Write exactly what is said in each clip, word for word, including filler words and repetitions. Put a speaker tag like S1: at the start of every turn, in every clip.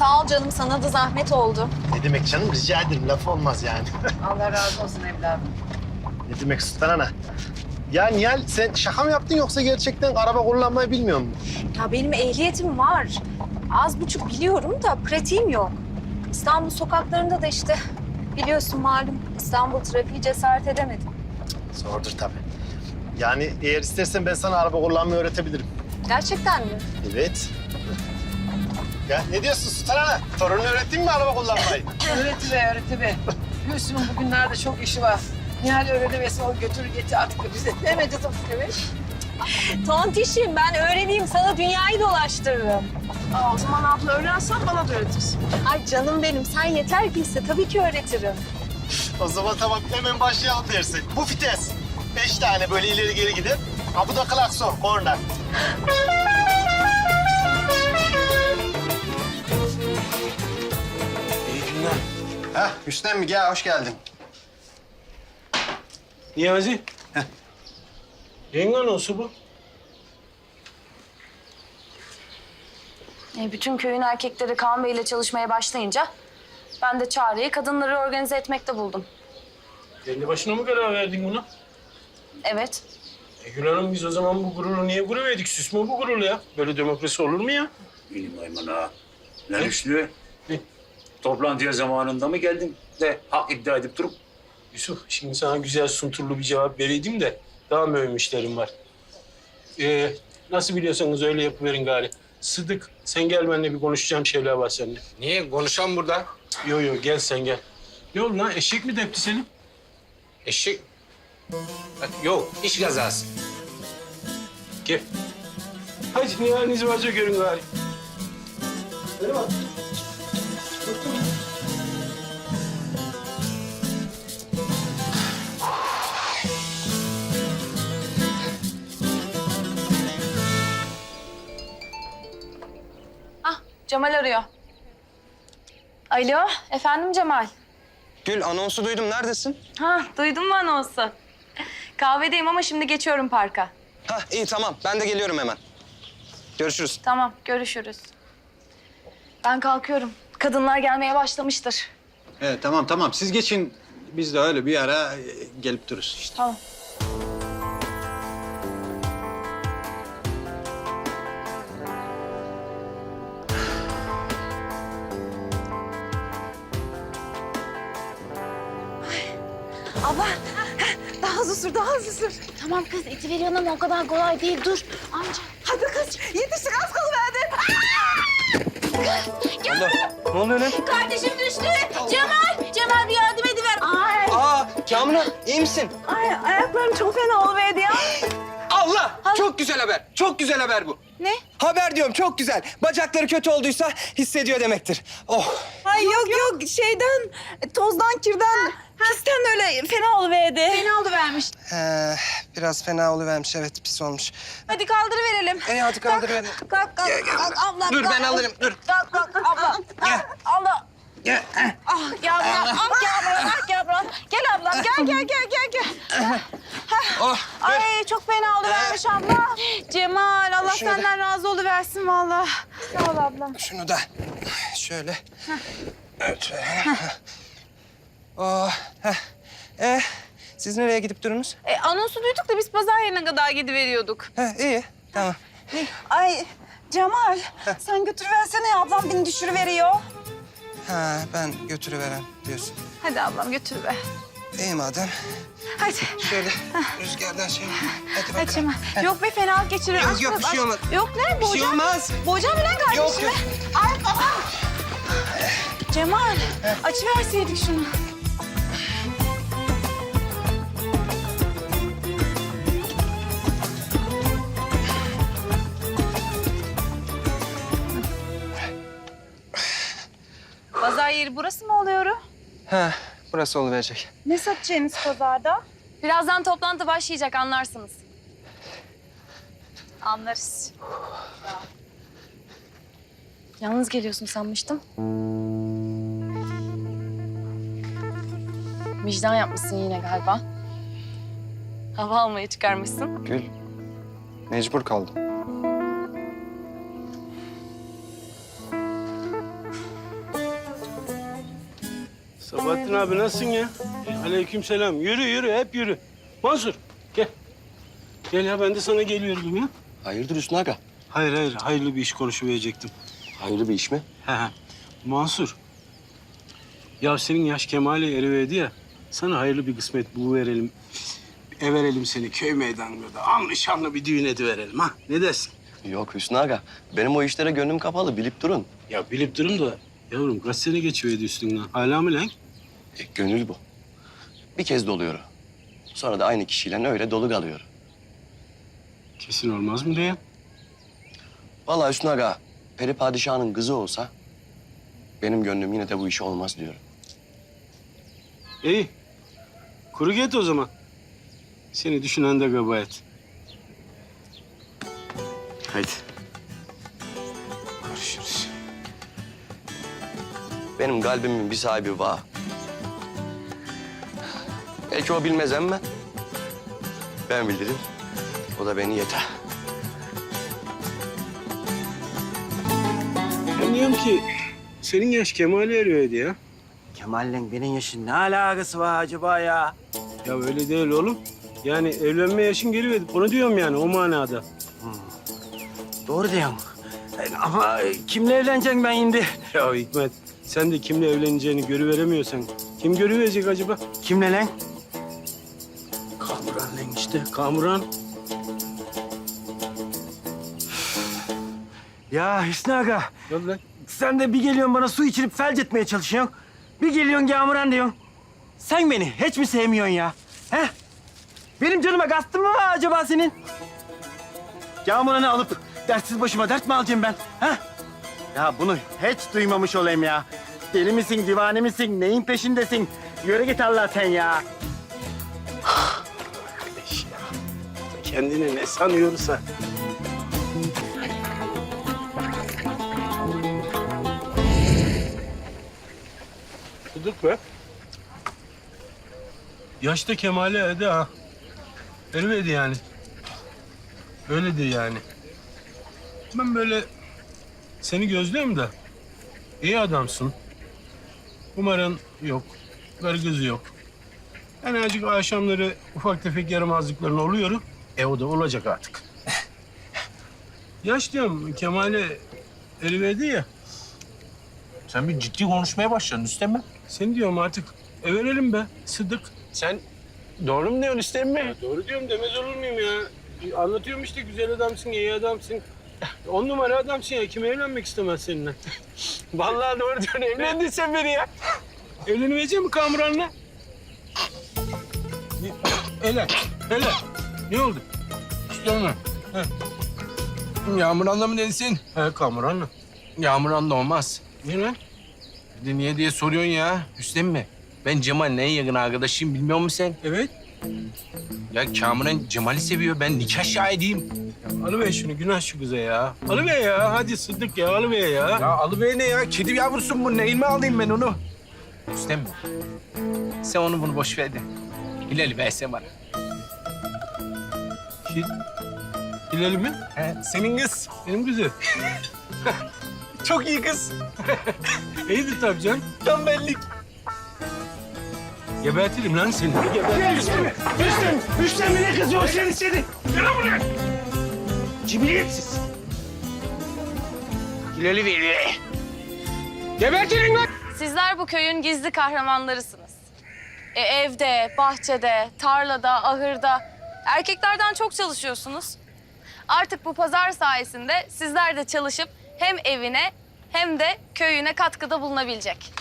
S1: Sağ ol canım, sana da zahmet oldu.
S2: Ne demek canım? Rica ederim. Laf olmaz yani.
S3: Allah razı olsun evladım.
S2: Ne demek Sultan Ana? Ya Nihal sen şaka mı yaptın yoksa gerçekten araba kullanmayı bilmiyor musun?
S1: Ya benim ehliyetim var. Az buçuk biliyorum da pratiğim yok. İstanbul sokaklarında da işte biliyorsun malum İstanbul trafiği cesaret edemedim.
S2: Zordur tabii. Yani eğer istersen ben sana araba kullanmayı öğretebilirim.
S1: Gerçekten mi?
S2: Evet. Ya ne diyorsun Sultan Ana? Torununu öğrettin mi araba kullanmayı?
S3: Öğretiver, öğretiver. Gülsüm'ün bugünlerde çok işi var. Nihal öğrenemesin, o götür getir artık bize. Ne medyatik evet.
S1: Tontişim ben öğreneyim, sana dünyayı dolaştırırım.
S3: Aa, o zaman abla öğrensen bana da öğretirsin.
S1: Ay canım benim, sen yeter ki iste, tabii ki öğretirim.
S2: O zaman tamam hemen başlayalım dersin. Bu vites. Beş tane böyle ileri geri gider. Ha bu da klakson, korna.
S4: İyi günler.
S2: Heh, Hüsnem mi? Gel, hoş geldin.
S4: Niyazi. Heh. Yenge nasıl bu?
S5: E, bütün köyün erkekleri Kaan Bey ile çalışmaya başlayınca ben de çareyi kadınları organize etmekte buldum.
S4: Kendi başına mı karar verdin buna?
S5: Evet.
S4: E Gül Hanım biz o zaman bu gururu niye kuruverdik? Süs mü bu gurur ya? Böyle demokrasi olur mu ya?
S6: Benim Ayman ağa. Lan Hüsnü,
S4: Ne?
S6: toplantıya zamanında mı geldin de hak iddia edip durup?
S4: Yusuf şimdi sana güzel sunturlu bir cevap vereydim de daha mühim işlerim var. Ee, nasıl biliyorsanız öyle yapıverin gari. Sıdık sen gel benimle bir konuşacağım şeyler var seninle.
S7: Niye? Konuşan burada.
S4: Yo yo gel sen gel. Ne oldu lan eşek mi depti seni?
S7: Eşek... Yok, iş kazası.
S4: Gel. Hadi nihalinizi varsa görün gari. Hadi bak.
S5: Ah Cemal arıyor. Alo efendim Cemal.
S7: Gül, anonsu duydum. Neredesin?
S5: Ha duydun mu anonsu? Kahvedeyim ama şimdi geçiyorum parka.
S7: Ha iyi tamam. Ben de geliyorum hemen. Görüşürüz.
S5: Tamam görüşürüz. Ben kalkıyorum. Kadınlar gelmeye başlamıştır.
S8: Evet tamam tamam siz geçin. Biz de öyle bir ara e, gelip dururuz işte.
S5: Tamam.
S1: Abla, daha hızlı sür, daha hızlı sür.
S5: Tamam kız iti veriyorsun ama o kadar kolay değil. Dur amca.
S1: Hadi kız, yetiştik az kalıverdi.
S7: Allah, ne oluyor lan?
S5: Kardeşim düştü. Cemal, Cemal bir yardım ediver. Ay,
S7: Aa, Kamran iyi misin?
S1: Ay, ayaklarım çok fena oluverdi ya.
S7: Allah! Çok güzel haber. Çok güzel haber bu.
S1: Ne?
S7: Haber diyorum çok güzel. Bacakları kötü olduysa hissediyor demektir. Oh.
S1: Ay yok yok, şeyden, tozdan, kirden, pisten öyle fena oluverdi. Fena oluvermiş.
S7: Ee, biraz fena oluvermiş evet pis olmuş.
S1: Hadi kaldırıverelim.
S7: E hadi kaldır beni.
S1: Kalk, kalk, kalk, ablam.
S7: Dur
S1: kalk.
S7: ben alırım dur.
S1: Kalk, kalk, abla.
S7: Gel.
S1: Allah.
S7: Gel.
S1: Ah, gel ablam, ah, gel ablam, ah, gel ablam. Gel ablam, gel, gel, gel, gel, gel.
S7: Oh, dur.
S1: Ay çok fena oluvermiş abla. Cemal, Allah
S7: Şunu da-
S1: senden razı oluversin vallahi. Sağ ol ablam.
S7: Şunu da şöyle. Evet. Oh. Heh. Eh, siz nereye gidip durunuz?
S1: E, anonsu duyduk da biz pazar yerine kadar gidiveriyorduk.
S7: Ha, iyi. Tamam.
S1: Ay Cemal, sen götürüversene ya, ablam beni düşürüveriyor.
S7: Ha, ben götürüveren diyorsun.
S1: Hadi ablam götürüver.
S7: İyi madem.
S1: Hadi.
S7: Şöyle rüzgardan şey. Hadi bakalım.
S1: Hadi Cemal. Yok be fenalık geçiriyor.
S7: Yok,
S1: Aç
S7: yok,
S1: biraz,
S7: bir şey
S1: aç.
S7: olmaz.
S1: Yok ne?
S7: Bir şey
S1: Boğacağım.
S7: olmaz.
S1: Boğacağım mı lan kardeşimi?
S7: Yok, yok.
S1: Ay babam. Cemal, açıverseydik şunu. Pazar yeri burası mı oluyor?
S7: Ha, burası oluverecek.
S1: Ne satacaksınız pazarda?
S5: Birazdan toplantı başlayacak anlarsınız.
S1: Anlarız.
S5: Yalnız geliyorsun sanmıştım. Vicdan yapmışsın yine galiba. Hava almaya çıkarmışsın.
S7: Gül, mecbur kaldım.
S4: Sabahattin abi nasılsın ya? E, aleykümselam. Yürü yürü hep yürü. Mansur gel. Gel ya ben de sana geliyordum ya.
S9: Hayırdır Hüsnü Aga?
S4: Hayır hayır hayırlı bir iş konuşuverecektim.
S9: Hayırlı bir iş mi?
S4: He he. Mansur. Ya senin yaş kemale eriverdi ya. Sana hayırlı bir kısmet buluverelim. Ev verelim seni köy meydanında. Anlı şanlı bir düğün ediverelim ha. Ne dersin?
S9: Yok Hüsnü Aga. Benim o işlere gönlüm kapalı. Bilip durun.
S4: Ya bilip durun da yavrum kaç sene geçiverdi üstünden. Hala mı lan?
S9: E, gönül bu. Bir kez doluyor. Sonra da aynı kişiyle öyle dolu kalıyor.
S4: Kesin olmaz mı diye?
S9: Vallahi Hüsnü Aga, Peri Padişah'ın kızı olsa... benim gönlüm yine de bu iş olmaz diyor.
S4: İyi. Kuru git o zaman. Seni düşünen de kabahat. Haydi. Görüşürüz.
S9: Benim kalbimin bir sahibi var. Belki o bilmez ama... ben bilirim. O da beni yeter.
S4: Ben diyorum ki senin yaş kemale eriyordu ya.
S10: Kemal'le benim yaşın ne alakası var acaba ya?
S4: Ya öyle değil oğlum. Yani evlenme yaşın geliverdi. Onu diyorum yani o manada.
S10: Doğru diyorsun. E, Ama kimle evleneceğim ben şimdi?
S4: Ya Hikmet sen de kimle evleneceğini görüveremiyorsan kim görüverecek acaba?
S10: Kimle lan?
S4: Kamuran lan işte Kamuran.
S10: Ya Hüsnü Aga,
S4: Yok lan.
S10: sen de bir geliyorsun bana su içirip felç etmeye çalışıyorsun. Bir geliyorsun Kamuran diyorsun. Sen beni hiç mi sevmiyorsun ya? He? Benim canıma kastın mı var acaba senin? Kamuran'ı alıp dertsiz başıma dert mi alacağım ben? He? Ya bunu hiç duymamış olayım ya. Deli misin, divane misin, neyin peşindesin? Yürü git Allah sen ya.
S4: Kardeş ya. Kendini ne sanıyorsa. Tutuk be. Yaşta kemale erdi ha. Ermedi yani. Öyledir yani. Ben böyle seni gözlüyorum da iyi adamsın. Umarım yok. Karı kızı yok. Yani azıcık akşamları ufak tefek yaramazlıkların oluyor. E o da olacak artık. Yaş diyorum Kemal'e eriverdi ya.
S6: Sen bir ciddi konuşmaya başladın Üstem mi?
S4: Seni diyorum artık everelim be Sıdık.
S6: Sen doğru mu diyorsun Üstem mi?
S4: Doğru diyorum demez olur muyum ya? Anlatıyorum işte güzel adamsın, iyi adamsın. On numara adamsın ya. Kim evlenmek istemez seninle? Vallahi doğru diyorsun. Evlendin sen beni ya. Evlenmeyecek mi Kamuran'la? Hele, hele. Ne oldu?
S11: İstiyor mu? Yağmuran'la mı dedisin?
S4: He Kamuran'la.
S11: Yağmuran'la olmaz.
S4: Niye lan?
S11: Bir de niye diye soruyorsun ya. Hüsnem mi? Ben Cemal'in en yakın arkadaşıyım bilmiyor musun sen?
S4: Evet.
S11: Ya Kamuran Cemal'i seviyor. Ben nikah şahidiyim.
S4: Alıver şunu günah şu kıza ya. Alıver ya. Hadi Sıddık ya alıver ya.
S11: Ya alıver ne ya? Kedi yavrusun bu. Neyin mi alayım ben onu? Hüsnem mi? Sen onu bunu boş ver de. Hilal'i versen bana.
S4: Hil... Hilal mi?
S11: He, senin kız.
S4: Benim kızı.
S11: Çok iyi kız.
S4: İyidir tabii canım.
S11: Tam benlik.
S4: Gebertirim lan seni. Gebertirim.
S10: Hüsnü, Hüsnü, Hüsnü ne kızıyor seni seni? Gel buraya. Cibiliyetsiz. Hilal'i veriyor. Gebertirin lan.
S5: Sizler bu köyün gizli kahramanlarısınız. E, evde, bahçede, tarlada, ahırda erkeklerden çok çalışıyorsunuz. Artık bu pazar sayesinde sizler de çalışıp hem evine hem de köyüne katkıda bulunabilecek.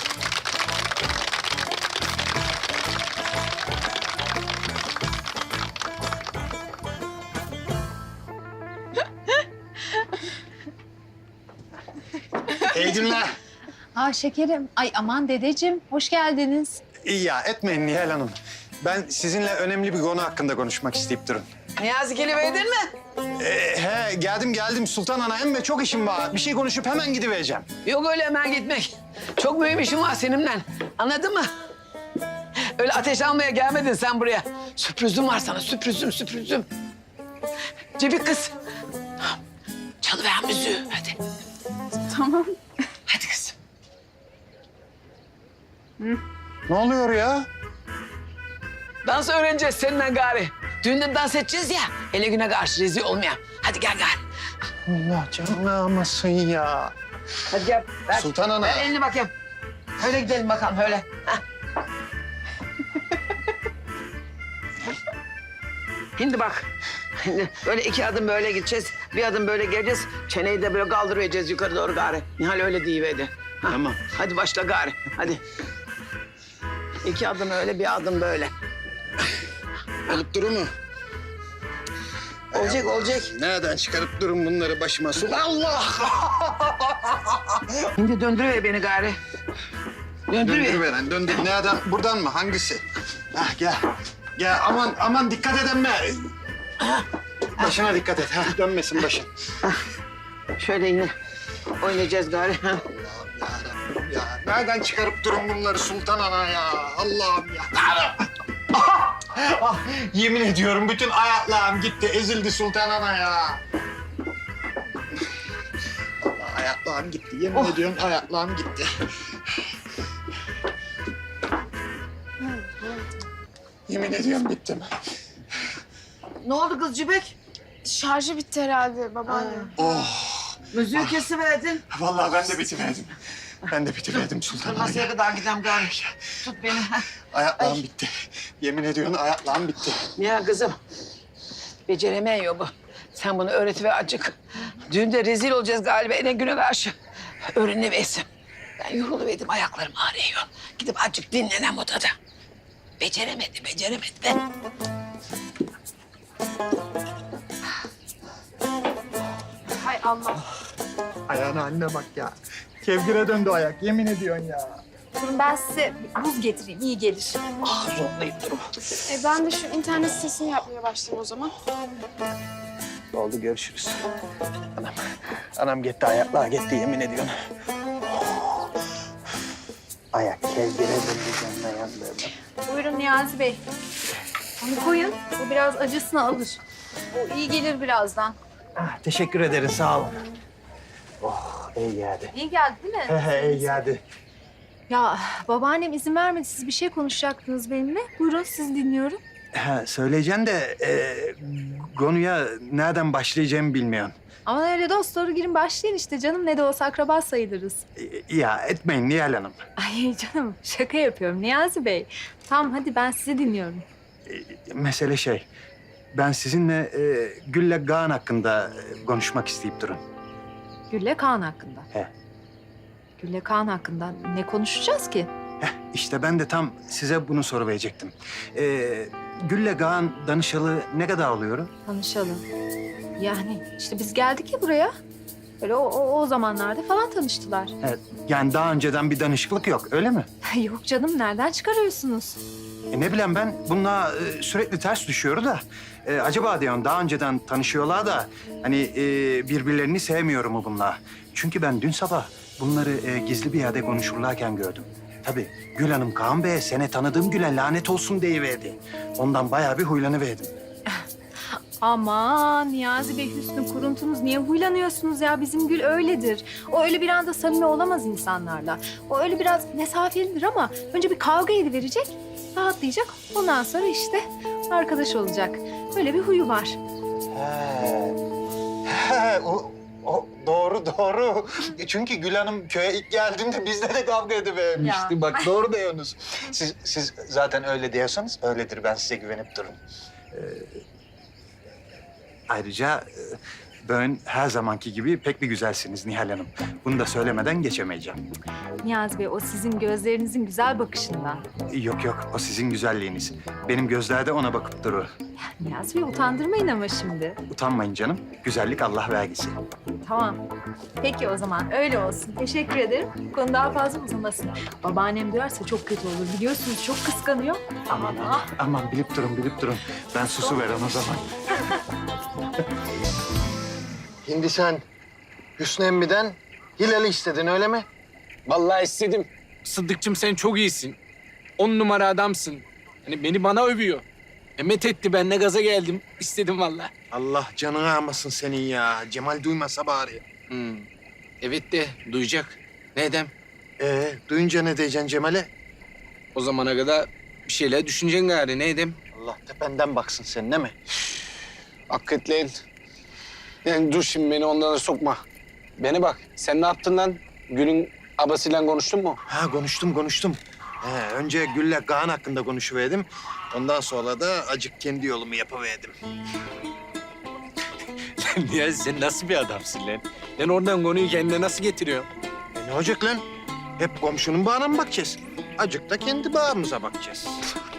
S2: İyi günler.
S1: Aa şekerim. Ay aman dedeciğim hoş geldiniz.
S8: İyi ya etmeyin Nihal Hanım. Ben sizinle önemli bir konu hakkında konuşmak isteyip durun.
S3: Niyazi geliverdin mi?
S8: Ee, he geldim geldim Sultan Ana hem de çok işim var. Bir şey konuşup hemen gidivereceğim.
S3: Yok öyle hemen gitmek. Çok mühim işim var seninle. Anladın mı? Öyle ateş almaya gelmedin sen buraya. Sürprizim var sana, sürprizim, sürprizim. Cebi kız. Çalıver müziği, hadi.
S1: Tamam.
S3: Hadi kızım.
S2: Ne oluyor ya?
S3: Dans öğreneceğiz seninle gari. Düğünden dans edeceğiz ya. Hele güne karşı rezil olmayalım. Hadi gel gari.
S2: Allah canını almasın ya.
S3: Hadi gel. Ver.
S2: Sultan Ana.
S3: Ver elini bakayım. Öyle gidelim bakalım öyle. Hah. Şimdi bak. Şimdi böyle iki adım böyle gideceğiz. Bir adım böyle geleceğiz. Çeneyi de böyle kaldıracağız yukarı doğru gari. Nihal öyle deyiverdi. Ha,
S8: Tamam.
S3: Hadi başla gari. Hadi. İki adım öyle, bir adım böyle.
S8: Olup durur mu?
S3: Olacak, olacak.
S8: Nereden çıkarıp durun bunları başıma? Sul Allah!
S3: Şimdi döndürüver beni gari. Döndürüver.
S8: Döndürüveren, döndür. Nereden? Buradan mı? Hangisi? Hah, gel. Gel, aman aman dikkat edin be. Başına dikkat et. Hah, dönmesin başın.
S3: Şöyle yine oynayacağız gari. Ha.
S8: Yarabbim ya. Nereden çıkarıp durun bunları Sultan Ana ya? Allah'ım ya. Ah, yemin ediyorum bütün ayaklarım gitti. Ezildi Sultan Ana ya. Allah, ayaklarım gitti. Yemin ediyorum ayaklarım gitti. Yemin ediyorum bittim.
S3: Ne oldu kız Cübek?
S5: Şarjı bitti herhalde babaanne.
S8: Oh,
S3: Müziği kesiverdin.
S8: vallahi ben de bitiverdim. Ben de bitiverdim Sultan Ana.
S3: Masaya kadar gidem gari. Tut beni. ha.
S8: Ayaklarım bitti. Yemin ediyorum ayaklarım bitti.
S3: Ya kızım. Beceremeyin bu. Sen bunu öğretiver acık. Düğünde rezil olacağız galiba en güne karşı. Öğreniversin. Ben yoruluverdim, ayaklarım ağrıyor. Gidip azıcık dinlenem odada. Beceremedi, beceremedi de.
S1: Hay Allah.
S8: Ayağına anne bak ya. Kevgire döndü ayak. Yemin ediyorsun ya.
S1: Durun ben size buz getireyim. İyi gelir.
S3: Ah zorlayıp durma.
S5: E ben de şu internet sitesini yapmaya başlayayım o zaman.
S8: Oldu görüşürüz. Anam, anam gitti ayaklar gitti yemin ediyorum. Ayak kevgire döndü canına yandı.
S1: Buyurun Niyazi Bey. Onu koyun. Bu biraz acısını alır. O iyi gelir birazdan.
S10: Ah, teşekkür ederim, sağ olun. Oh, iyi geldi.
S1: İyi geldi değil mi?
S10: He he, iyi geldi.
S1: Ya babaannem izin vermedi. Siz bir şey konuşacaktınız benimle. Buyurun sizi dinliyorum.
S10: Ha, söyleyeceğim de e, konuya nereden başlayacağımı bilmiyorum.
S1: Ama öyle dost doğru girin başlayın işte canım. Ne de olsa akraba sayılırız.
S10: E, ya etmeyin Nihal Hanım.
S1: Ay canım şaka yapıyorum Niyazi Bey. Tamam hadi ben sizi dinliyorum.
S10: E, mesele şey, ben sizinle e, Gül'le Kaan hakkında e, konuşmak isteyip durun.
S1: Gülle Kaan hakkında.
S10: He.
S1: Gülle Kaan hakkında ne konuşacağız ki?
S10: Heh, işte ben de tam size bunu soru verecektim. E, Gül'le Kaan danışalı ne kadar oluyor?
S1: Tanışalım. Yani işte biz geldik ya buraya. Böyle o, o, o zamanlarda falan tanıştılar.
S10: Evet, yani daha önceden bir danışıklık yok, öyle mi?
S1: Yok canım nereden çıkarıyorsunuz?
S10: E ne bileyim ben, bununla e, sürekli ters düşüyor da. E, acaba diyorum daha önceden tanışıyorlar da hani e, birbirlerini sevmiyor mu bunlar? Çünkü ben dün sabah bunları e, gizli bir yerde konuşurlarken gördüm. Tabii Gül Hanım Kaan Bey'e seni tanıdığım güne lanet olsun deyiverdi. Ondan bayağı bir huylanıverdim.
S1: Aman Niyazi Bey Hüsnü kuruntunuz niye huylanıyorsunuz ya? Bizim Gül öyledir. O öyle bir anda samimi olamaz insanlarla. O öyle biraz mesafelidir ama önce bir kavga ediverecek, rahatlayacak. Ondan sonra işte arkadaş olacak. Böyle bir huyu var.
S8: He. He, o, o doğru doğru. Çünkü Gül Hanım köye ilk geldiğinde bizle de kavga edivermişti. Bak doğru diyorsunuz. Siz, siz zaten öyle diyorsanız öyledir. Ben size güvenip durun.
S10: Ayrıca e, ben her zamanki gibi pek bir güzelsiniz Nihal Hanım. Bunu da söylemeden geçemeyeceğim.
S1: Niyazi Bey o sizin gözlerinizin güzel bakışından.
S10: Yok yok, o sizin güzelliğiniz. Benim gözlerde ona bakıp durur.
S1: Niyazi Bey utandırmayın ama şimdi.
S10: Utanmayın canım, güzellik Allah vergisi.
S1: Tamam. Peki o zaman öyle olsun. Teşekkür ederim. Bu konu daha fazla uzamasın. Babaannem duyarsa çok kötü olur. Biliyorsunuz çok kıskanıyor.
S10: Aman aman, aman bilip durun, bilip durun. Ben susu veren o zaman.
S2: Şimdi sen Hüsnü Emmi'den Hilal'i istedin öyle mi?
S11: Vallahi istedim. Sıddıkçım sen çok iyisin. On numara adamsın. Hani beni bana övüyor. Emet etti ben ne gaza geldim. İstedim vallahi.
S8: Allah canını almasın senin ya. Cemal duymasa bari.
S11: Hmm. Evet de duyacak. Ne edem?
S8: Ee, duyunca ne diyeceksin Cemal'e?
S11: O zamana kadar bir şeyler düşüneceksin gari. Ne edeyim?
S8: Allah tependen baksın sen değil mi?
S11: Hakikaten. Yani dur şimdi beni ondan da sokma. Beni bak. Sen ne yaptın lan? Gül'ün abasıyla konuştun mu?
S8: Ha konuştum konuştum. He, önce Gül'le Kaan hakkında konuşuverdim. Ondan sonra da acık kendi yolumu yapıverdim.
S11: Ya sen nasıl bir adamsın lan? Lan oradan konuyu kendine nasıl getiriyorsun?
S8: E ne olacak lan? Hep komşunun bağına mı bakacağız? Acık da kendi bağımıza bakacağız.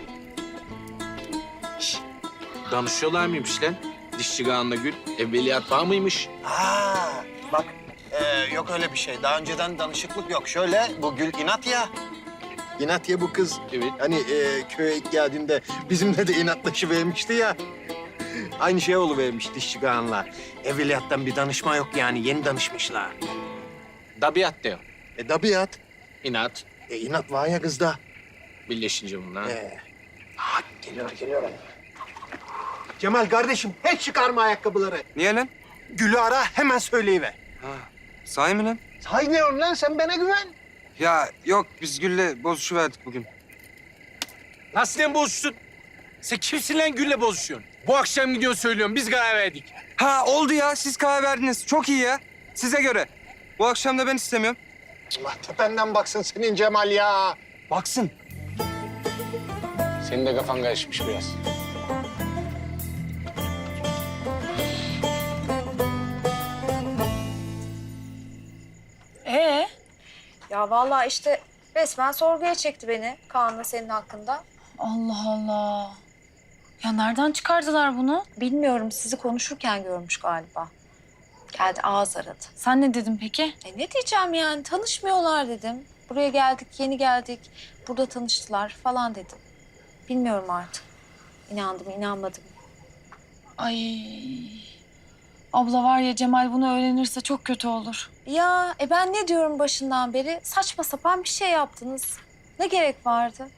S11: Danışıyorlar mıymış lan? Dişçi Kaan'la Gül. Evveliyat bağ mıymış?
S8: Ha, bak e, yok öyle bir şey. Daha önceden danışıklık yok. Şöyle bu Gül inat ya. İnat ya bu kız.
S11: Evet.
S8: Hani e, köye ilk geldiğinde bizimle de inatlaşıvermişti ya. Aynı şey oluvermiş dişçi Kaan'la. Evveliyattan bir danışma yok yani. Yeni danışmışlar.
S11: Tabiat diyor.
S8: E tabiat.
S11: İnat.
S8: E inat var ya kızda.
S11: Birleşince bunlar.
S8: Ee, ha, geliyor, geliyor. Cemal kardeşim, hiç çıkarma ayakkabıları.
S9: Niye lan?
S8: Gül'ü ara, hemen söyleyiver.
S9: Ha, sahi mi lan?
S8: Say ne lan, sen bana güven.
S9: Ya yok biz Gül'le bozuşuverdik bugün.
S11: Nasıl lan bozuştun? Sen kimsin lan Gül'le bozuşuyorsun? Bu akşam gidiyorsun söylüyorum. Biz karar verdik.
S9: Ha oldu ya siz karar verdiniz. Çok iyi ya. Size göre. Bu akşam da ben istemiyorum.
S8: Allah tependen baksın senin Cemal ya.
S9: Baksın.
S11: Senin de kafan karışmış biraz.
S5: Ee?
S12: Ya vallahi işte resmen sorguya çekti beni Kaan'la senin hakkında.
S5: Allah Allah. Ya nereden çıkardılar bunu?
S12: Bilmiyorum, sizi konuşurken görmüş galiba. Geldi ağız aradı.
S5: Sen ne dedin peki?
S12: E ne diyeceğim yani, tanışmıyorlar dedim. Buraya geldik, yeni geldik. Burada tanıştılar falan dedim. Bilmiyorum artık. İnandım, inanmadım.
S5: Ay. Abla var ya Cemal bunu öğrenirse çok kötü olur.
S12: Ya e ben ne diyorum başından beri? Saçma sapan bir şey yaptınız. Ne gerek vardı?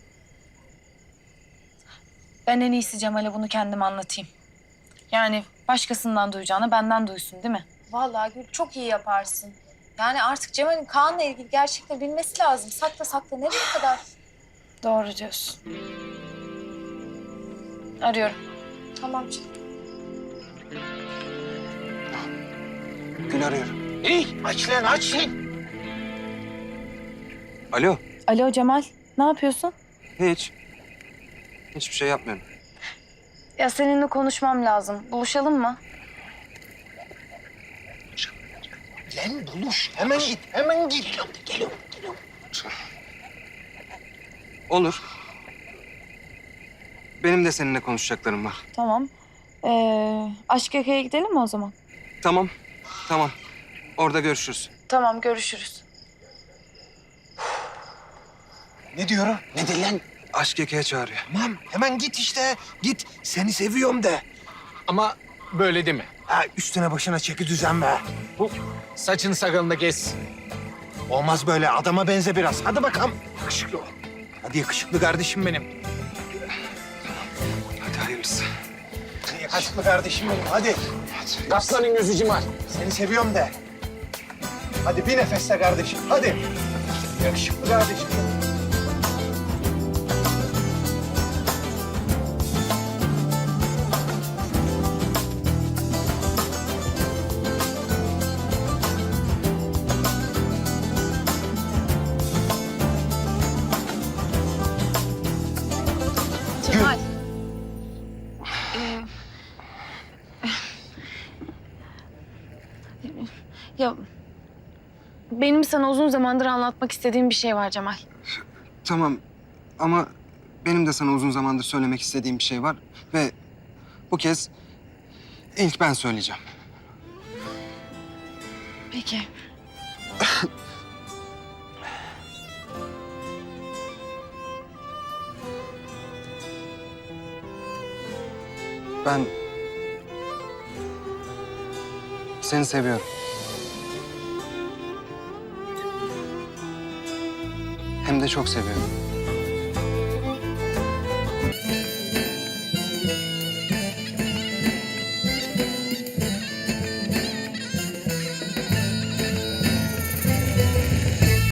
S5: Ben en iyisi Cemal'e bunu kendim anlatayım. Yani başkasından duyacağına benden duysun değil mi?
S12: Vallahi Gül çok iyi yaparsın. Yani artık Cemal'in Kaan'la ilgili gerçekten bilmesi lazım. Sakla sakla nereye kadar?
S5: Doğru diyorsun. Arıyorum.
S12: Tamam canım.
S9: Gül arıyorum.
S8: İyi, aç lan, aç lan.
S9: Alo.
S5: Alo Cemal, ne yapıyorsun?
S9: Hiç. Hiçbir şey yapmıyorum.
S5: Ya seninle konuşmam lazım. Buluşalım mı?
S8: Lan buluş, hemen git, hemen git. Geliyorum, geliyorum.
S9: Olur. Benim de seninle konuşacaklarım var.
S5: Tamam. Ee, Aşk Yaka'ya gidelim mi o zaman?
S9: Tamam. Tamam. Orada görüşürüz.
S5: Tamam, görüşürüz.
S8: Ne diyorum? Ne de lan?
S9: Aşk Eka'ya çağırıyor.
S8: Tamam, hemen git işte. Git, seni seviyorum de.
S11: Ama böyle deme.
S8: Ha, üstüne başına çeki düzen ver.
S11: Bu saçını sakalını da kes.
S8: Olmaz böyle, adama benze biraz. Hadi bakalım. Yakışıklı ol. Hadi yakışıklı kardeşim benim.
S9: Hadi hayırlısı.
S8: Hadi yakışıklı kardeşim benim, hadi.
S11: Kaplanın gözü Cemal.
S8: Seni seviyorum de. Hadi bir nefeste kardeşim, hadi. Yakışıklı kardeşim benim.
S5: Cemal. Ee, ya benim sana uzun zamandır anlatmak istediğim bir şey var Cemal.
S9: Tamam ama benim de sana uzun zamandır söylemek istediğim bir şey var. Ve bu kez ilk ben söyleyeceğim.
S5: Peki.
S9: Ben seni seviyorum. Hem de çok seviyorum.